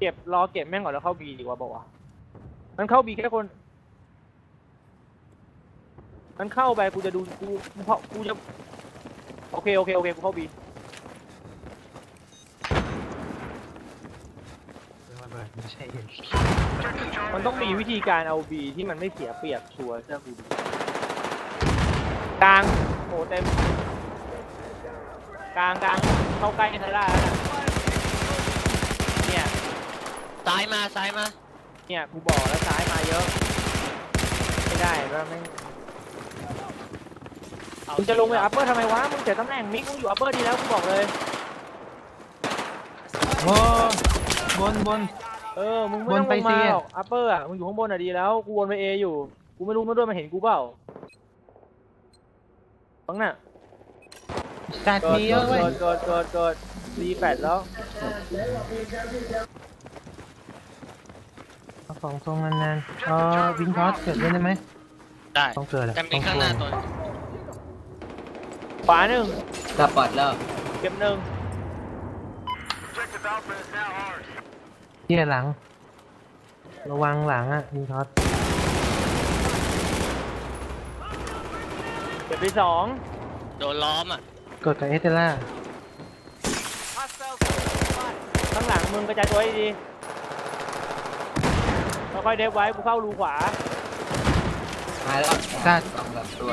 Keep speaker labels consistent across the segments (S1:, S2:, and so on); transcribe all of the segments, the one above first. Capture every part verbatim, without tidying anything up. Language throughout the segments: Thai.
S1: เก็บรอเก็บแม่งก่อนแล้วเข้าบีดีกว่าบอกว่ามันเข้าบีแค่คนมันเข้าไปกูจะดูกูเพราะกูจะโอเคโอเคโอเคกูเข้าบี
S2: ไม่ใช่เห็น
S1: มันต้องมีวิธีการเอาบีที่มันไม่เสียเปรียบชัวร์เชื่อกูดิกลางโอ้เต็มกลางกลางเข้าใกล้ไทล่าแล้วนะเนี่ย
S3: ซ้ายมาซ้ายมา
S1: เนี่ยกูบอกแล้วซ้ายมาเยอะไม่ได้แล้วไม่มึงจะลงไปอัปเปอร์ทำไมวะมึงเสียตำแหน่งมิกมึงอยู่อัปเปอร์ดีแล้วกูบอกเลย
S2: โอ้บนบน
S1: เออมึงไม่ต้องลงมาหรอกอัปเปอร์อ่ะมึงอยู่ข้างบนอ่ะดีแล้วกูวนไปเออยู่กูไม่รู้มันด้วยมันเห็นกูเปล่าฟังน่ะ
S2: จัดมีเยอะเว้ย
S1: เกิดเกิดเกิดเกิดรีแปดแล้ว
S2: เอาของทรงนานๆเออวินทอสเกิดได้ไหม
S3: ได้
S2: ต้องเกิดอะ
S3: แต่มีข้างหน้าตัว
S1: ขวาหนึ่ง
S4: ดับปัดแล้ว
S1: เก็บหนึ่ง
S2: เที่ยหลังระวังหลังอ่ะวินทอส
S1: เก็บไปสอง
S3: โดนล้อมอ่ะ
S2: กดกับเอสเตล่า
S1: ข้างหลังมึงกระจายตัวให้ดีค่อยๆเดฟไว้กูเข้ารูขวา
S4: หายแล้ว
S2: ซาด
S4: สองสามตัว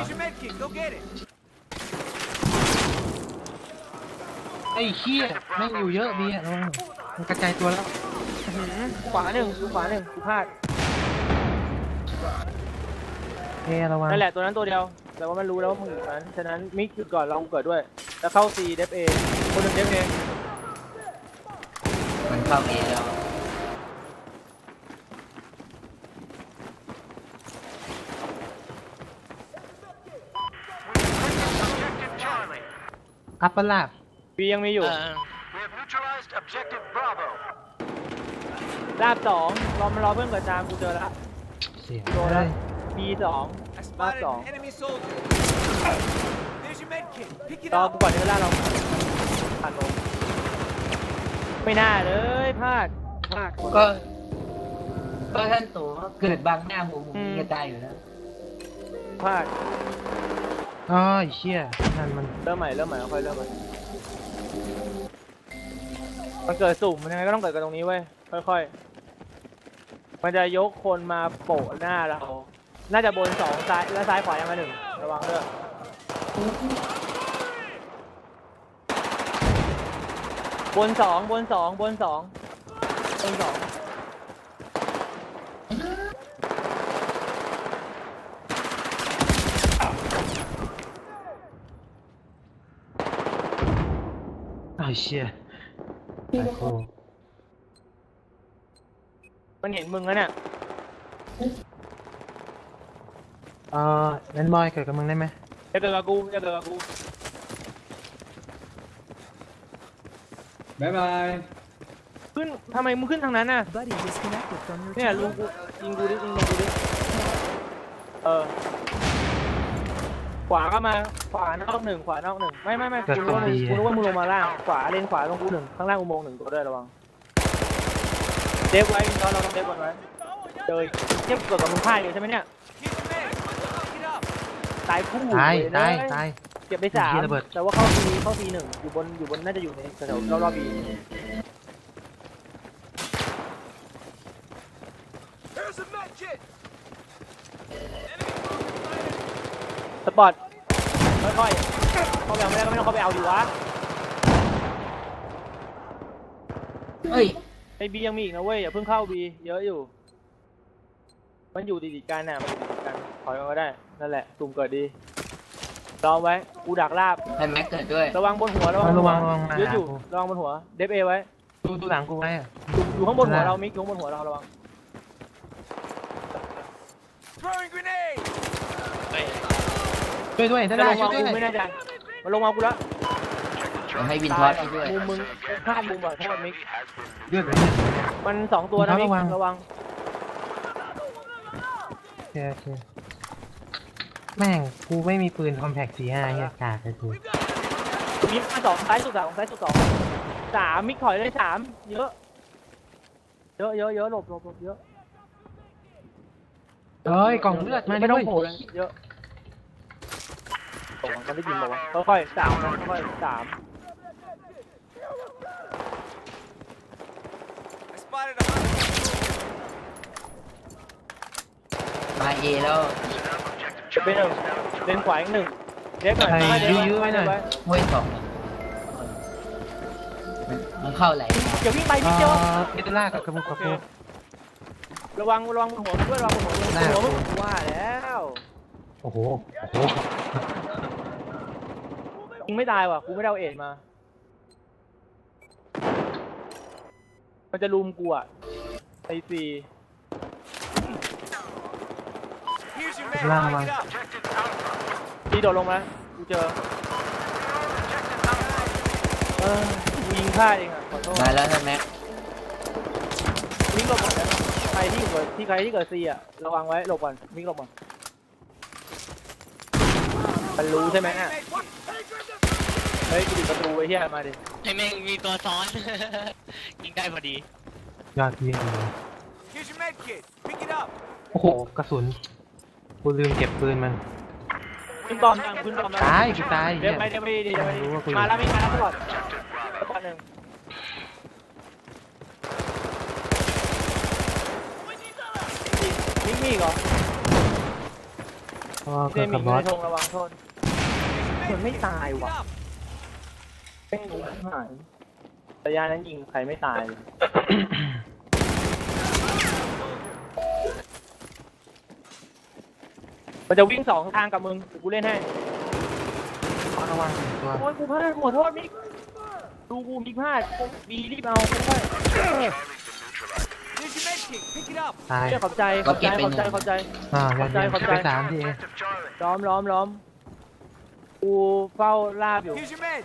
S2: ไอ้เหี้ยไม่อยู่เยอะดีอ่ะระวังมันกระจายตัวแล้ว
S1: ขวาหนึ่งขวาหนึ่งกูพลาด
S2: เฮ้ระวัง
S1: นั่นแหละตัวนั้นตัวเดียวแต่ว่ามันรู้แล้วว่ามึงอยู่นั้นฉะนั้นมิกหยุดก่อนลองเกิดด้วยแล้วเข้าซีเดฟเอคนหนึ่งเดฟเอ
S4: มันเข้าเอแล้ว
S2: อัปเปอร์ลาบ
S1: บียังมีอยู่ลาบสองรอมันรอเพื่อนเกิดตามกูเจอแล้วโดนแล้วบีสองลาบสองรอกูก่อนเดี๋ยวล่าเราผ่านลงไม่น่าเลยพลาดพลาด
S4: ก็ก็ท่านตัวเกิดบางหน้าหูมึงจะตายอยู่แล้ว
S1: พลาด
S2: อ๋อเชี่ยนั่นมัน
S1: เริ่มใหม่เริ่มใหม่ค่อยเริ่มใหม่มันเกิดสุ่มมันยังไงก็ต้องเกิดกันตรงนี้เว้ยค่อยๆมันจะยกคนมาโปะหน้าเราน่าจะบนสองซ้ายและซ้ายขวายังมาหนึ่งระวังด้วยบนสองบนสองบนสองบนสอง
S2: อ้าวเชี่ย
S1: มันเห็นมึงแล้วเนี่ย
S2: เออแลนด์บอยเกิดกับมึงได้ไหม
S1: จะเกิดกับกูจะเกิดกับกู
S4: บ๊ายบาย
S1: ขึ้นทำไมมึงขึ้นทางนั้นน่ะเนี่ยลุงกูยิงกูดิยิงกูดิเออขวาก็มาขวานอกหนึ่งขวานอกหนึ่งไม่ไม่ไม่กูรู้ว่ามึงกูรู้ว่ามึงลงมาล่างขวาเลนขวาลงกูหนึ่งข้างล่างอุโมงค์หนึ่งตัวด้วยระวังเดฟไว้ตอนเราต้องเดฟก่อนไว้เจอเทียบเกิดกับมึงพ่ายเลยใช่ไหมเนี่ยตายคู่
S2: ตายตายตาย
S1: เก็บไปสามแต่ว่าเข้าทีเข้าทีหนึ่งอยู่บนอยู่บนน่าจะอยู่ในแถวรอบรอบบีสปอร์ตค่อยๆเข้าไปเอาไม่ได้ก็ไม่ต้องเข้าไปเอาดีวะ
S4: เฮ้ย
S1: ไอบียังมีอีกนะเว้ยอย่าเพิ่งเข้าบีเยอะอยู่มันอยู่ติดๆกันน่ะมันอยู่ติดกันถอยมาก็ได้นั่นแหละตุ่มเกิดดีรอไว้กูดักลาบ
S4: ให้แม็กเกิดด้วย
S1: ระวังบนหัวระวัง
S2: ระวัง
S1: เยอะอยู่ระวังบนหัวเดฟเอไว้
S2: ดูดูหลังกูไว้อะ
S1: อยู่ข้างบนหัวเรามิกอยู่ข้างบนหัวเราระวัง
S2: ช่วยด้วยได้ช่วยด้วย
S1: ไม่แน่ใจมันลงมากูแล้ว
S4: ให้วินทอสด้วย
S1: มุมมึงพลาดมุมแบบโทษมิก
S2: เลือดเลย
S1: มันสองตัวนะมิกระวัง
S2: โอเคโอเคแม่งกูไม่มีปืนคอมแพคสี่ห้าเฮียกากเลยกู
S1: มิกมาสองซ้ายสุดสามซ้ายสุดสองสามมิกถอยเลยสามเยอะเยอะเยอะเยอะหลบหลบหลบเยอะ
S2: เอ้ยกล่องเลือดมา
S1: ไม่ต้อง
S2: ด้วย
S1: โผล่เลยเยอะตกมันได้ยินบอกว่าค่อยๆสามนะค่อยๆสาม
S4: มาเอแล้ว
S1: ไปหนึ่งเลนขวาอีกหนึ่งเด็กหน่อย
S2: ไอ้
S1: ไม่เด็ก
S2: ยื้อๆไว้หน่อย
S4: ห้วยสองมันมันเข้าไหล
S1: อย่าวิ่งไป
S2: เอ่
S1: นิดเดียว
S2: อเอเดล่ากับกระบุกกระปุก
S1: ระวังระวังหัวด้วยระวังหัวด้วยหัวมึงว่าแล้ว
S2: โอ้โหโอ้โห
S1: ยิงไม่ตายว่ะกูไม่ได้เอาเอ็ดมา มันจะลุมกูอ่ะไอซี
S2: ล่างมา
S1: ซีโดดลงมากูเจอเออกูยิงพลาดเองอ่ะขอโทษ
S4: มาแล้วใช่ไหม
S1: มิกหลบก่อนนะใครที่เกิดที่ใครที่เกิดซีอ่ะระวังไว้หลบก่อนมิกหลบก่อนมันรู้ใช่ไหมอ่ะเฮ้ยกูปิดประตูไว้เฮียมาดิ
S3: ให้แม่งมีตัวซ้อน ยิงได้พอดี
S2: ยอดเยี่ยมเลยโอ้โหกระสุนกูลืมเก็บปืนมัน
S1: คุณบอมยังคุณบอม
S2: ตายกูตาย
S1: เดี๋
S2: เหี้
S1: ยวย ไปเดี๋ยวไปเดี๋ยวไป
S2: รู้ว่ากูอยู่
S1: มาแล้วมิกมาแล้วตลอดตอนหนึ่งมิกมีเหรอ
S2: เพราะว่า
S1: เด
S2: เกิด
S1: มิ
S2: กั
S1: ก
S2: บบอ
S1: ใน
S2: ส
S1: ธงระวังโทษมันไม่ตายว่ะไม่รู้ที่ไหนระยะนั้นยิงใครไม่ตายเลยมันจะวิ่งสองทางกับมึงเดี๋ยวกูเล่นให้
S2: ระวังตัว
S1: โอ้ยกูพลาดขอโทษมิกดูกูมิกพลาดดีรีบเอาค่อย
S2: ตาย
S1: ๆขอบใจขอบใจขอบใจขอบใจ
S2: อ่ายอดเยี่ยม
S1: ขอบใจ
S2: ไปสามทีเอง
S1: ล้อมล้อมล้อมกูเฝ้าลาบอยู่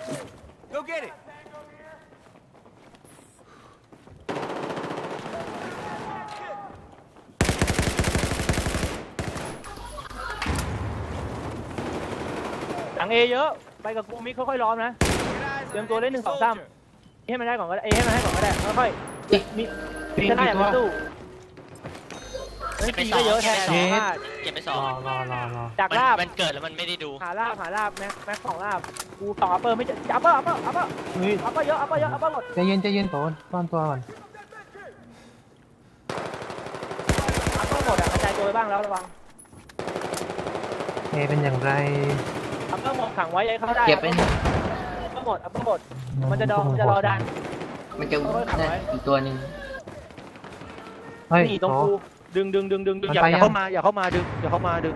S1: หลังเอเยอะไปกับกูมิกค่อยๆล้อมนะเตรียมตัวเล่นหนึ่งสองสามให้มันได้ก่อนก็ได้เอให้มันให้ก่อนก็ได้ค่อยๆมิก
S2: ปิง
S1: จะได้
S2: กี่
S1: อย่า
S2: ตัว
S1: ไปสู้เฮ้ย
S3: เก็บไป
S1: ตี
S3: สอ
S1: ก็
S3: ง
S1: เยอะแทน
S3: เก็บไปสอง
S1: พลาด
S3: เก็บไปส
S2: ร
S3: อง
S2: อรอรอรอ
S1: จาก
S3: มัน
S1: ลาบ
S3: มันเกิดแล้วมันไม่ได้ดู
S1: หาลาบหาลาบแม็กแม็กสองลาบกูสองอัปเปอร์ไม่เจออัปเปอร์อัปเปอร์อัปเปอร์
S2: เฮ้ย
S1: อัปเปอร์เยอะอัปเปอร์เยอะอัปเปอร์หมด
S2: ใจเย็นใจเย็นโตนซ่อนตัวก่อน
S1: อัปเปอร์หมดอะกระจายตัวไปบ้างแล้วระวัง
S2: เอเป็นอย่างไร
S1: อัปเปอร์หมดขังไว้ยัยเข้าได้
S4: เก็บเป็น
S1: อัปเปอร์หมดอัปเปอร์หมดมันจะดองมันจะรอดัน
S4: มันจะนั่นอีกตัวหนึ่ง
S2: เฮ้ย
S1: นี่ตรง
S2: โต
S1: กูดึงดึงดึงดึงดึง
S2: มัน
S1: อย่า
S2: ไป
S1: อย่า
S2: ยัง
S1: เข้ามาอย่าเข้ามาดึงอย่าเข้ามาดึง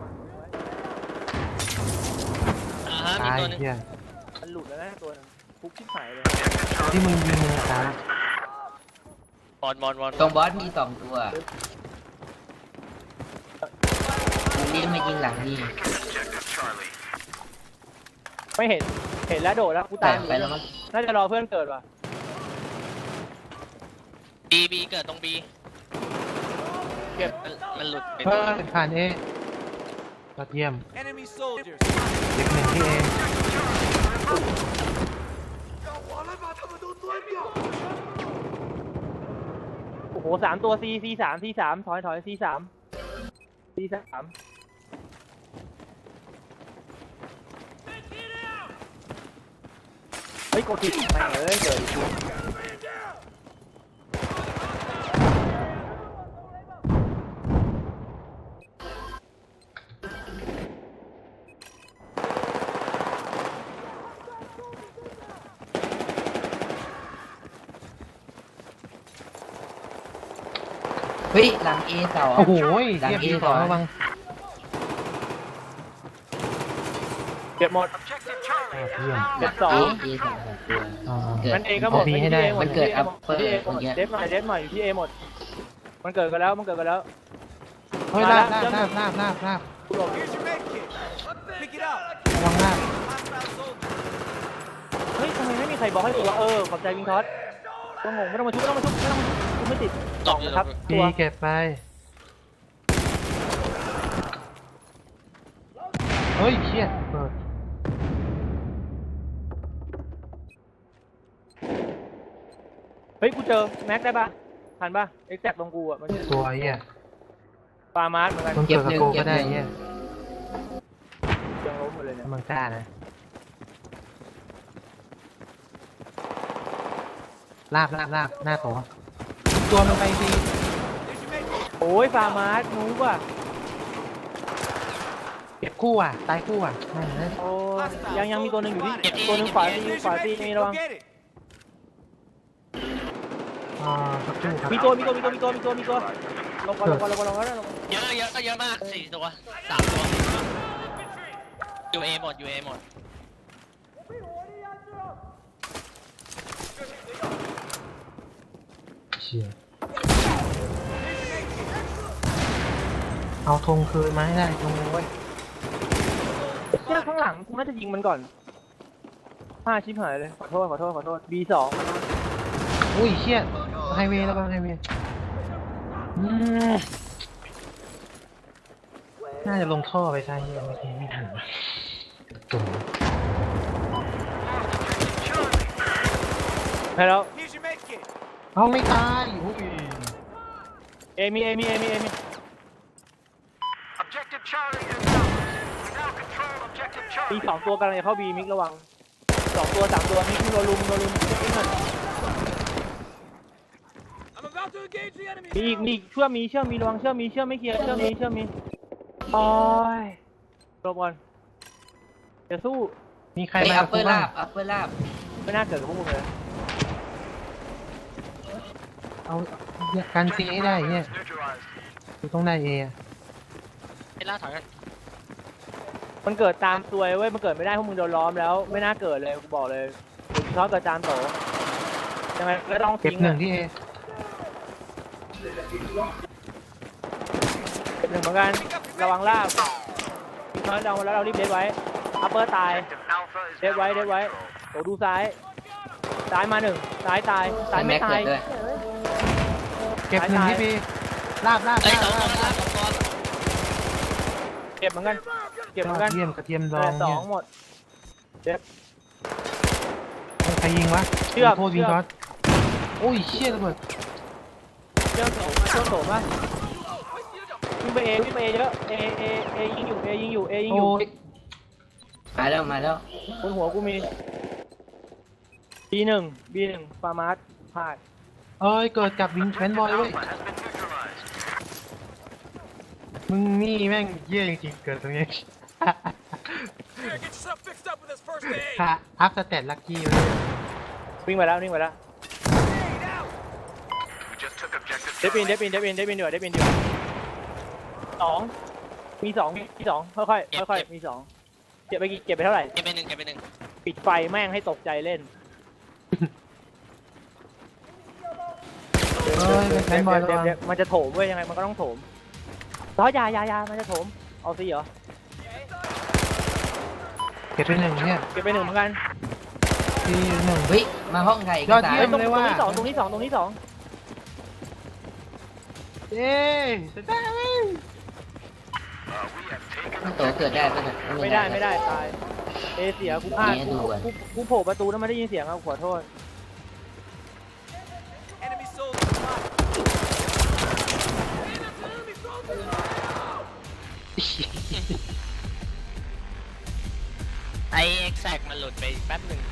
S3: อ่าฮะมี
S2: ตาย
S3: ตัวหนึง
S2: เหี้ย
S1: มันหลุดแล้วนะตัวนึงฟุกชิบหายเลย
S2: ที่มึงยิงมึงตาย
S3: บอลบอลบอล
S4: ตรงบอสมีสองตัวมันรีบมายิงหลังนี่
S1: ไม่เห็นเห็นแล้วโดดแล้วกู
S4: แต่
S1: ตามอยู่
S4: ไปแล้วมั้ง
S1: น่าจะรอเพื่อนเกิดว่ะ
S3: บีบีเกิดตรงบี
S1: เก็บ
S3: มันมันหลุดไป
S2: เฮ้ยผ่านเอยอดเยี่ยมเด็กหนึ่งที่เอ
S1: โอ้โหสามตัวซีซีสามซีสามถอยถอยซีสามซีสามเฮ้ยกดผิดไม่งเอ้ยเกิดอีกที
S4: เฮ้ยหลังเอสอง
S2: โอ้โห
S4: หลัง
S2: เยี่ยม
S4: เอ
S2: ดี
S4: ส
S2: ส
S4: อ
S2: อง งระวัง
S1: เก็บหมด
S2: ยอดเยี่ยม
S1: เก็บสอง
S4: เอสองสองตัว
S2: อ่า
S4: เกิด
S1: มันเอก็หมด
S2: บีให้ได้
S4: มันเกิด upper
S1: ที่เอหมด
S4: เมื่อกี้
S1: เดฟหน่อยเดฟหน่อยอยู่ที่เอหมด มันเกิดกันแล้วมันเกิดกันแล้ว
S2: เฮ้ยลาบลาบลาบลาบลาบลาบ
S1: กูหลบ
S2: ระวังลาบ
S1: เฮ้ยทำไมไม่มีใครบอกให้กูว่าเออขอบใจวิงทอสก็งงไม่ต้องมาชุบไม่ต้องมาชุบไม่ต้องมาชุบกูไม่ติด
S3: ต
S1: ส
S3: ก
S1: อง
S3: อยู่
S1: นะครับ
S2: บี
S1: ตัว
S2: เก็บไปเฮ้ยเชี่ยเปิด
S1: เฮ้ยกูเจอแม็กได้ปะทันปะเอ็กแซกตรงกูอ่ะมัน
S2: ตัวไอ้เหี้ย
S1: ปามาร์สเหมือนกัน
S2: ต้องเกิดกับโกก็ได้ไอ้เหี้ย
S1: ยังล้มหมดเลยเนี่ย
S2: ถ้ามันกล้านะลาบลาบลาบหน้าโตตัวมันไปดี
S1: โอ้ยปามาร์สนูบอ่ะ
S2: เก็บคู่อ่ะตายคู่อ่ะนั่นนะ
S1: โอ้ยยังยังมีตัวหนึ่งอยู่ที่ตัวหนึ่งขวาตีขวาตีมีระวัง
S2: อ่าสักครู่ครับ
S1: มีตัวมีตัวมีตัวมีตัวมีตัวมีตัวลงก่อนลงก่อนลงก่อนลงก่อนลงก่อน
S3: เยอะเยอะก็เยอะมากสี่ตัวสามตัวอยู่เอหมดอยู่เอหมด
S2: เชี่ยเอาธงคืนมาให้ได้ธงเว้ย
S1: เนี่ยข้างหลังกูน่าจะยิงมันก่อนห้าชิบหายเลยขอโทษขอโทษขอโทษ บี สอง
S2: อุ้ยเชี่ยไฮเวย์แล้วก็ไฮเวย์อืมน่าจะลงท่อไปซะเฮียไม่ทันไม่ทันจุ่ม
S1: ให้แล้ว
S2: เอาไม่ตายอุ้ย
S1: เอมีเอมีเอมีเอมีมีสองตัวกำลังจะเข้าบีมิกระวังสองตัวสามตัวมิกมีโดนลุมโดนลุมมิกหน่อยมีอีกมีอีกเชื่อมมีเชื่อมมีระวังเชื่อมมีเชื่อมไม่เคลียร์เชื่อมมีเชื่อมมีโอ้ยรบก่อนจะสู้
S2: มีใคร
S4: ไอ้
S2: มา
S4: อั
S2: กั
S4: ป
S2: บ
S4: เปอ
S2: กู
S4: ร์
S2: บ้า
S4: ลาง บอัปเปอร์ลาบ
S1: ไม่น่าเกิดกับพวกมึงเลย
S2: เอาการซีให้ได้เนี่ยกูต้องได้เอ
S3: เอล่าถอยกัน
S1: มันเกิดตามตัวเว้ยมันเกิดไม่ได้พวกมึงโดนล้อมแล้วไม่น่าเกิดเลยกูบอกเลยชอบกับจานโตยังไงก็ต้อง
S2: เก็บ
S1: ทิ้ง
S2: หนึ่งที่เอ
S1: เก็บหนึ่งเหมือนกันระวังลาบน้อยเราแล้วเรารีบเด็ดไว้อัปเปอร์ตายเด็ดไว้เด็ดไว้โตดูซ้ายซ้ายมาหนึ่งซ้ายตายซ้ายไม่
S4: แม็ก
S1: ตา
S4: เกิ
S1: ย
S4: ดด้วย
S2: เก็บหนึ่งที่บีลาบลาบ
S3: เอ้ย
S2: ลา
S3: ส
S2: บ
S3: องตัว
S2: ลาบ
S3: สองตัว
S1: เก็บเหมือนกันเก็บเหมือนกัน
S2: เยี่ยมกระเทียมด
S1: เอ
S2: อ
S1: อง สอ
S2: เนี่
S1: ง
S2: ย
S1: หมดเจ็บ
S2: ใครยิงวะ
S1: เชือก
S2: โทษวิง
S1: เชือก
S2: ช็อตโอ้ยเชี่ยระเบิด
S1: เจ้าโสมาเจ้าโสมาวิ่งไปเอวิ่งไปเอเยอะเอเอเอยิงอยู่เอยิงอยู่เอยิงอ
S2: โอ้
S1: ยู่
S2: ย
S4: มาแล้วมาแล้ว
S1: บนหัวกูมี บี หนึ่ง บี หนึ่งฟาร์มาร์สพลาด
S2: เอ้ยเกิดกับวิงแวนบอยเว้ยมึงนี่แม่งเยี่ยจริงๆเกิดตรงนี้ ค่ะอัพสเตตลักกี้เลย
S1: วิ่งไปแล้ววิ่งไปแล้วเดฟบินเดฟบินเดฟบินเดฟบินเดือดเดฟบินเดือดสองมีสองมีสองค่อยค่อยค่อยค่อยๆมีสองเก็บไปกี่เก็บไปเท่าไหร่
S3: เก็บไปหนึ่งเก็บไปหนึ่ง
S1: ปิดไฟแม่งให้ตกใจเล่น
S2: เอ้ยแวนบอยระ
S1: เดี๋ยว
S2: วัง
S1: เดี๋ยวมันจะโถมเว้ยยังไงมันก็ต้องโถมร้อยยายายามันจะโถมเอาสิเหรอ
S2: เก็บไปหนึ่งเนี่ย
S1: เก็บไปหนึ่งเหมือนกัน
S2: ทีหนึ่ง
S4: เฮ้ยมาห้องไทย
S2: ยอด
S4: ตา
S2: เยี่
S1: เฮ้
S2: ย
S1: ย
S2: ม
S1: ตรงตรงนี้สองตรงนี้สองตรงนี้สอง
S2: เย้จะได้
S4: โตเกิดได้ปะเนี่ย
S1: ไม่ได้ไม่ได้ตายเอเสียกูพลาด
S4: เนี่ย
S1: กู
S4: ดูอะ
S1: กูกูโผล่ประตูแล้วไม่ได้ยินเสียงเอาขอโทษ
S3: ไอเอ็กแซกมันหลุดไปแป๊บหนึ่ง